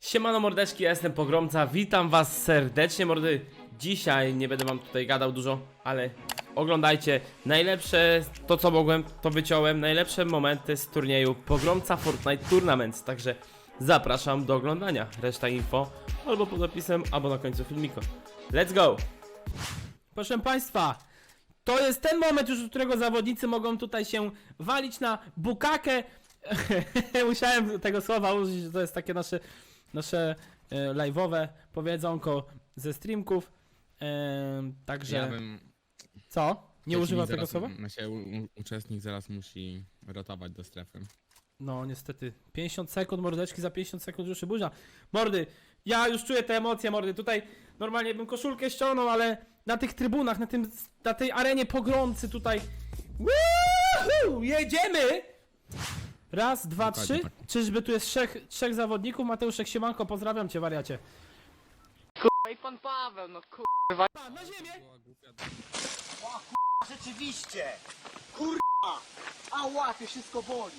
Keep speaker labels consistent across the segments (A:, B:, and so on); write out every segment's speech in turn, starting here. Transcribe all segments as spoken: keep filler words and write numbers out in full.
A: Siemano mordeczki, ja jestem Pogromca, witam was serdecznie mordy. Dzisiaj nie będę wam tutaj gadał dużo, ale oglądajcie najlepsze, to co mogłem, to wyciąłem, najlepsze momenty z turnieju Pogromca Fortnite Tournaments. Także zapraszam do oglądania, reszta info albo pod opisem, albo na końcu filmiku. Let's go! Proszę państwa, to jest ten moment już, od którego zawodnicy mogą tutaj się walić na bukakę. Musiałem tego słowa użyć, że to jest takie nasze nasze e, live'owe powiedzonko ze streamków. E, także.
B: Ja bym...
A: Co? Nie używa tego
B: zaraz,
A: słowa?
B: Znaczy, u, u, uczestnik zaraz musi rotować do strefy.
A: No niestety. pięćdziesiąt sekund, mordeczki, za pięćdziesiąt sekund już się burza. Mordy, ja już czuję te emocje, mordy. Tutaj normalnie bym koszulkę ściągnął, ale na tych trybunach, na, tym, na tej arenie pogromcy tutaj. Woohoo! Jedziemy! Raz, dwa,
B: Dokładnie
A: trzy.
B: tak.
A: Czyżby tu jest trzech, trzech zawodników? Mateuszek, siemanko, pozdrawiam cię, wariacie.
C: I pan Paweł, no kur...
A: Pa, na ziemię!
D: Rzeczywiście! Kurwa! Ała, to wszystko boli!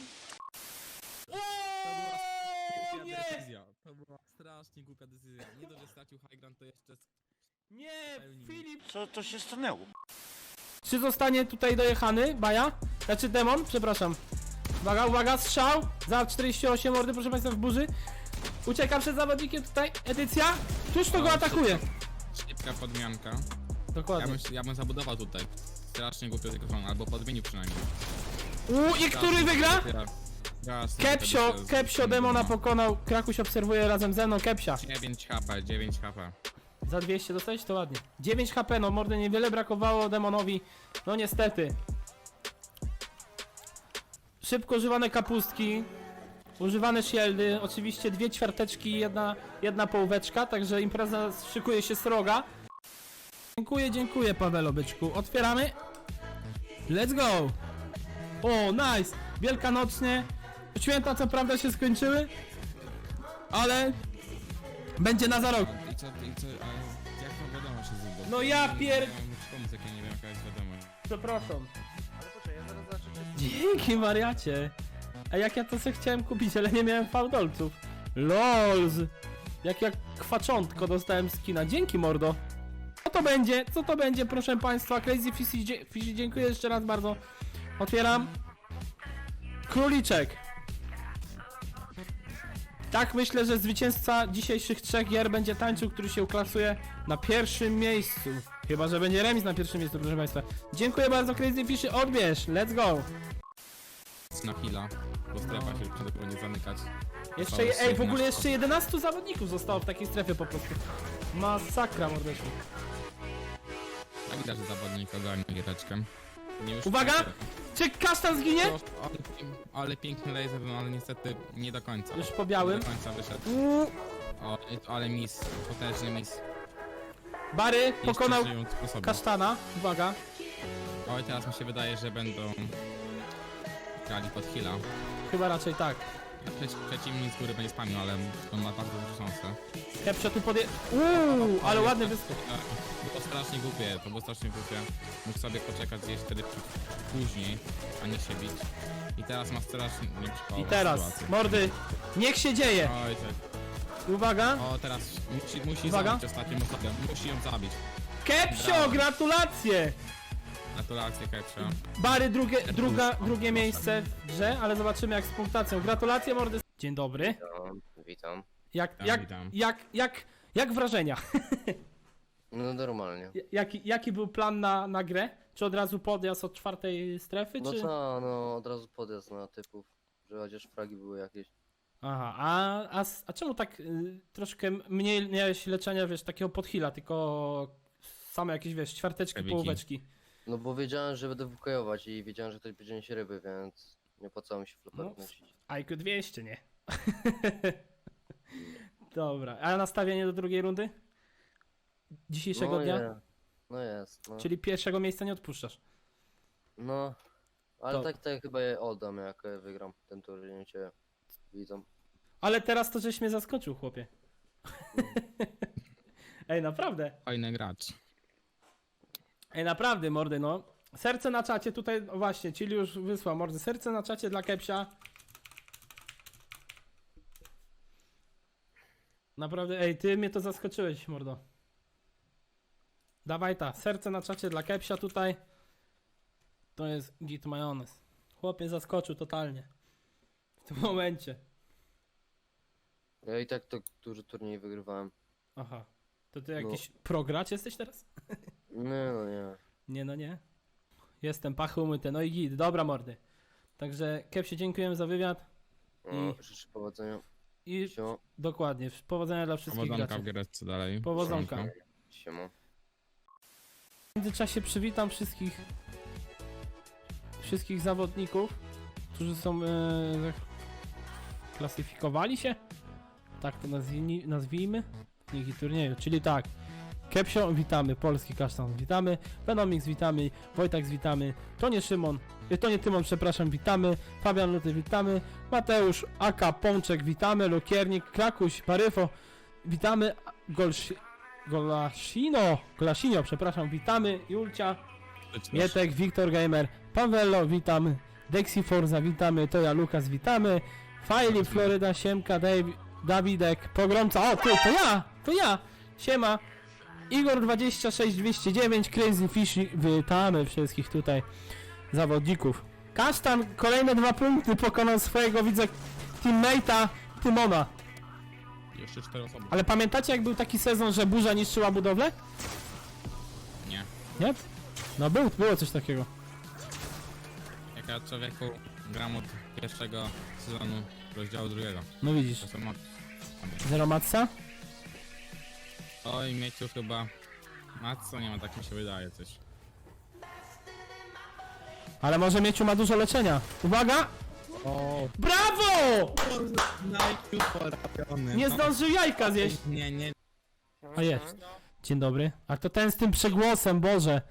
A: O, nie!
B: decyzja. To była strasznie głupia decyzja. Nie dość, że stracił high ground, to jeszcze...
A: Nie, Filip!
D: Co to się stanęło?
A: Czy zostanie tutaj dojechany, Baja? Znaczy demon, przepraszam. Uwaga, uwaga, strzał! Za czterdzieści osiem mordy, proszę państwa, w burzy. Ucieka przed zawodnikiem tutaj, edycja. Tuż to go atakuje.
B: Szybka podmianka. Ja
A: Dokładnie.
B: bym, ja bym zabudował tutaj. Strasznie głupio tego strony, albo podmienił przynajmniej.
A: U, i który wygra?
B: Jasne,
A: Kepsio,
B: wtedy się
A: Kepsio
B: z-
A: demona
B: no.
A: pokonał. Krakuś obserwuje razem ze mną Kepsia.
B: dziewięć HP, dziewięć HP.
A: Za dwieście dostałeś to ładnie. dziewięć HP, no mordy, niewiele brakowało demonowi. No niestety. Szybko używane kapustki. Używane shieldy, oczywiście dwie ćwiarteczki, jedna, jedna połóweczka, także impreza szykuje się sroga. Dziękuję, dziękuję Pawelo byczku. Otwieramy. Let's go! O, nice! Wielkanocznie. Święta co prawda się skończyły, ale będzie na za rok.
B: A, I co, i co, a jak to wiadomo się zbudować?
A: No ja pier-
B: Ja muszę pomóc, jak ja nie wiem jaka jest wiadomość.
A: Przepraszam. Dzięki wariacie. A jak ja to sobie chciałem kupić, ale nie miałem fałdolców. Lols. Jak jak kwaczątko dostałem skina. Dzięki mordo. Co to będzie? Co to będzie, proszę państwa? Crazy Fishy, dzie- Fishy, dziękuję jeszcze raz bardzo. Otwieram. Króliczek. Tak, myślę, że zwycięzca dzisiejszych trzech gier będzie tańczył, który się uklasuje na pierwszym miejscu. Chyba że będzie remis na pierwszym miejscu, proszę państwa. Dziękuję bardzo, Crazy Fishy, odbierz, let's go.
B: Na chwila, bo strefa się przede powinien zamykać.
A: Jeszcze,
B: Zostało
A: je- ej, w ogóle
B: jedenaście
A: jeszcze jedenastu zawodników zostało w takiej strefie po prostu. Masakra, mordeczku.
B: A widać, że zawodnik ogarnia giereczkę. Nie już
A: Uwaga! Czy kasztan zginie?
B: ale, ale piękny laser, no ale niestety nie do końca.
A: Już po białym.
B: Nie do końca wyszedł.
A: Uuu,
B: O, ale miss, potężny miss.
A: Bary
B: Jeszcze
A: pokonał
B: żyją sposoby.
A: kasztana. Uwaga.
B: Oj, teraz mi się wydaje, że będą grali pod heala.
A: Chyba raczej tak.
B: A przeci przeciwnik z góry będzie spamił, ale on ma bardzo dużą szansę.
A: Kepsio tu podje... Uuu, ale ładny wyskok.
B: E, Było strasznie głupie, to było strasznie głupie. Mógł sobie poczekać gdzieś wtedy później, a nie się bić. I teraz ma strasznie
A: I
B: nieprzypałową
A: teraz,
B: sytuację.
A: mordy, niech się dzieje.
B: Oj, tak.
A: Uwaga.
B: O, teraz musi, musi
A: Uwaga.
B: zabić ostatnią osobę, musi ją zabić.
A: Kepsio,
B: Brawo.
A: gratulacje.
B: Gratulacje, Kepsio.
A: Bary drugie, druga, drugie miejsce w grze, ale zobaczymy jak z punktacją. Gratulacje, mordy. Dzień dobry.
E: Witam, witam.
A: Jak,
B: Witam,
A: jak,
B: witam.
A: jak, jak, jak wrażenia?
E: No normalnie.
A: Jaki, jaki był plan na, na grę? Czy od razu podjazd od czwartej strefy,
E: No
A: czy...
E: co, no od razu podjazd na typów, że chociaż fragi były jakieś.
A: Aha, a, a, s- a czemu tak y, troszkę mniej miałeś leczenia, wiesz, takiego podhila, tylko same jakieś, wiesz, ćwiarteczki,
B: Kewiki.
A: połóweczki?
E: No bo wiedziałem, że będę wukojować i wiedziałem, że ktoś będzie nieść ryby, więc nie opłacało mi się floperów
A: No.
E: nosić.
A: I Q dwieście, nie? Dobra, a nastawienie do drugiej rundy? Dzisiejszego
E: No
A: dnia?
E: je, no jest, no.
A: Czyli pierwszego miejsca nie odpuszczasz.
E: No, ale
A: To-
E: tak tak chyba je oddam, jak e, wygram ten turniej, cię widzą.
A: Ale teraz to żeś mnie zaskoczył, chłopie. Ej, naprawdę.
B: Fajny gracz.
A: Ej, naprawdę, mordy, no. Serce na czacie tutaj, o właśnie, czyli już wysłał, mordy. Serce na czacie dla Kepsia. Naprawdę, ej, ty mnie to zaskoczyłeś, mordo. Dawaj ta, serce na czacie dla Kepsia tutaj. To jest git majonez. Chłop mnie zaskoczył totalnie. W tym momencie.
E: Ja i tak to duży turniej wygrywałem.
A: Aha. To ty jakiś progracz jesteś teraz?
E: Nie no nie.
A: Nie no nie. Jestem pachy umyte, no i git, dobra mordy. Także Kepsie dziękujemy za wywiad.
E: No,
A: I-
E: życzę powodzenia.
A: I
E: Siema.
A: dokładnie, powodzenia dla wszystkich
B: Powodzonka w
A: graczy.
B: giereczce dalej.
A: Powodzonka.
B: Siemanko.
E: Siema.
A: W międzyczasie przywitam wszystkich wszystkich zawodników, którzy są e, klasyfikowali się, tak to nazwijmy, nazwijmy w linii turnieju, czyli tak, Kepsio witamy, Polski Kasztan witamy, Venomix witamy, Wojtak witamy, Tonie Szymon, e, Tonie Tymon przepraszam witamy, Fabian Luty witamy, Mateusz Aka Pączek witamy, Lukiernik, Krakuś, Paryfo witamy, Golsi, Golasino, Golasino przepraszam witamy, Julcia, Mietek, Wiktor Gamer, Pawello, witamy, Dexi Forza, witamy, Toja Lukas, witamy, Fajli, Floryda, Siemka, Dave, Dawidek, Pogromca, o ty, to ja, to ja, siema, Igor dwadzieścia sześć dwieście dziewięć, Crazy Fish, witamy wszystkich tutaj zawodników. Kasztan, kolejne dwa punkty, pokonał swojego widza teammate'a Tymona.
B: Jeszcze cztery osoby.
A: Ale pamiętacie jak był taki sezon, że burza niszczyła budowlę?
B: Nie.
A: Nie? No był, było coś takiego.
B: Jak ja człowieku gram od pierwszego sezonu rozdziału drugiego.
A: No widzisz.
B: To są mat...
A: Zero matsa?
B: Oj, Mieciu chyba... Matco nie ma, tak mi się wydaje coś.
A: Ale może Mieciu ma dużo leczenia. Uwaga!
B: O,
A: Brawo!
B: no.
A: Nie zdążył jajka zjeść.
B: Nie, nie.
A: A jest. Dzień dobry. A to ten z tym przegłosem, Boże.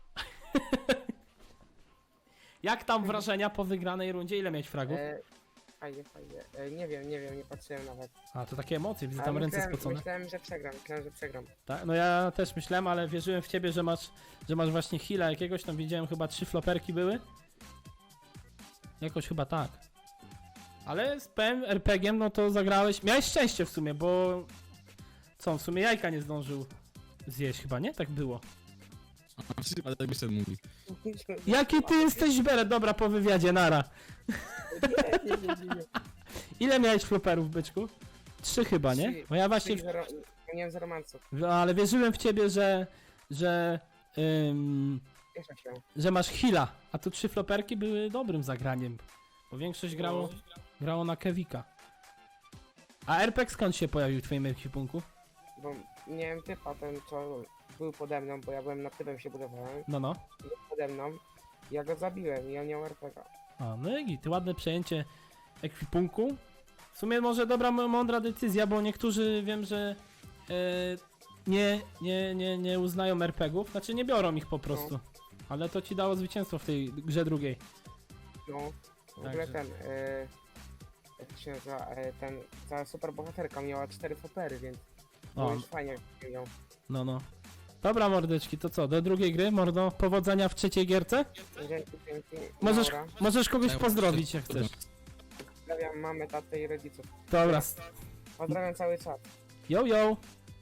A: Jak tam wrażenia po wygranej rundzie? Ile miałeś fragów?
F: E, fajnie, fajnie. E, nie wiem, nie wiem, nie patrzyłem nawet.
A: A, to takie emocje, widzę
F: Ale
A: tam ręce
F: myślałem,
A: spocone.
F: myślałem, że przegram, myślałem, że przegram.
A: Tak? No ja też myślałem, ale wierzyłem w ciebie, że masz, że masz właśnie heala jakiegoś. Tam widziałem chyba trzy floperki były. Jakoś chyba tak. Ale z P M R P G-iem, no to zagrałeś. Miałeś szczęście w sumie, bo co, w sumie jajka nie zdążył zjeść chyba, nie? Tak było.
B: Ale wyszedł mówi.
A: Jaki ty jesteś beret? Dobra, po wywiadzie, nara.
F: Nie, nie, nie, nie.
A: Ile miałeś floperów, byczku? Trzy chyba, nie?
F: Trzy.
A: Bo ja właśnie,
F: Zero, nie wiem, zero manców.
A: w, ale wierzyłem w ciebie, że, że, ym,
F: Cieszę się.
A: że masz heala, a tu trzy floperki były dobrym zagraniem, bo większość grało, grało na Kevika. A R P G skąd się pojawił w twoim ekwipunku?
F: Bo miałem typa, ten co był pode mną, bo ja byłem na typem się budowałem.
A: No, no.
F: Był pode mną. Ja go zabiłem i on miał R P G.
A: A, no i ty ładne przejęcie ekwipunku. W sumie może dobra, m- mądra decyzja, bo niektórzy wiem, że e, nie, nie, nie, nie uznają er pe gie ów, znaczy nie biorą ich po prostu. Ale to ci dało zwycięstwo w tej grze drugiej.
F: No. W ogóle
A: Także.
F: ten, e, jak to się nazywa, e, ten, ta super bohaterka miała cztery fopery, więc było
A: O,
F: już fajnie ją.
A: no no. Dobra mordeczki, to co, do drugiej gry, mordo, powodzenia w trzeciej gierce?
F: Dzięki, dzięki.
A: Możesz,
F: Laura.
A: możesz kogoś pozdrowić jak chcesz.
F: Pozdrawiam mamę, tatę i rodziców.
A: Dobra,
F: Pozdrawiam cały czat.
A: yo yo!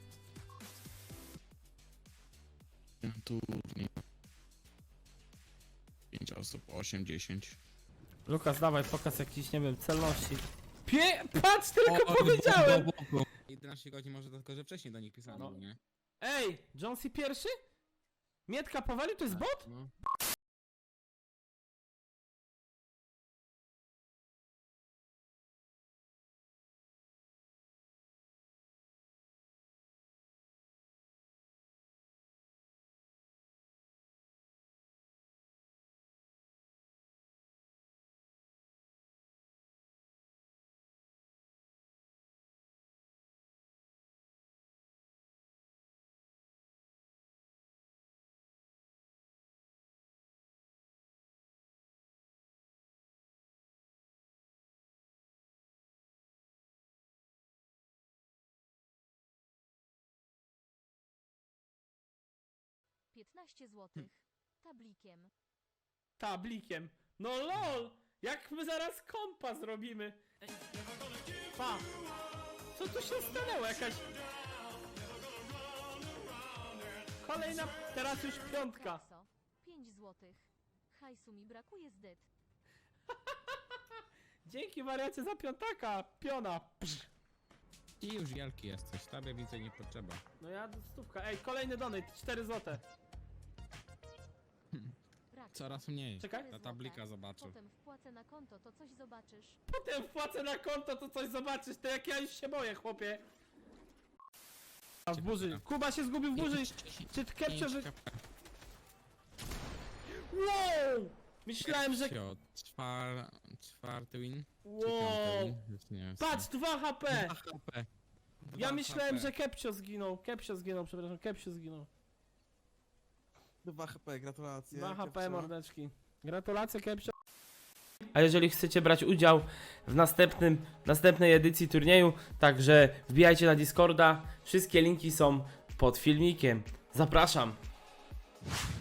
B: Turniej. pięć osób, osiem, dziesięć.
A: Lukas, dawaj, pokaz jakiś, nie wiem, celności. Pie... Patrz, tylko powiedziałem!
B: jedenaście godzin może tylko, że wcześniej do nich pisałem,
A: No.
B: nie?
A: Ej, Jonesy pierwszy? Mietka powalił, to jest bot?
B: No.
G: piętnaście złotych. Tablikiem.
A: Tablikiem. No lol! Jak my zaraz kompa zrobimy? Ej, pa! Co tu się stanęło? Jakaś... Kolejna, teraz już piątka.
G: Kekso. pięć złotych. Hajsu mi brakuje zdyt.
A: Dzięki wariacie za piątaka, piona. Psz.
B: I już wielki jesteś, tobie więcej nie potrzeba.
A: No ja stówka, ej, kolejny donate, cztery złote.
G: Brak.
B: Coraz mniej.
A: Czekaj.
G: cztery
B: Ta
G: złote.
B: tablika zobaczył.
G: Potem wpłacę na konto, to coś zobaczysz.
A: Potem wpłacę na konto, to coś zobaczysz, to jak ja już się boję, chłopie. A w burzy, Kuba się zgubił w burzy. Czy Kepcio, że... Wow! Myślałem, że...
B: Kepcio, czwar... czwarty win? Czy
A: Wow!
B: piąty win? Już nie wiem.
A: Patrz, dwa H P!
B: dwa H P.
A: Ja
B: dwa
A: myślałem,
B: H P.
A: że Kepcio zginął, Kepcio zginął, przepraszam, Kepcio zginął.
H: dwa H P, gratulacje.
A: dwa H P
H: Kepcio.
A: mordeczki. Gratulacje, Kepcio. A jeżeli chcecie brać udział w następnym, następnej edycji turnieju, także wbijajcie na Discorda. Wszystkie linki są pod filmikiem. Zapraszam.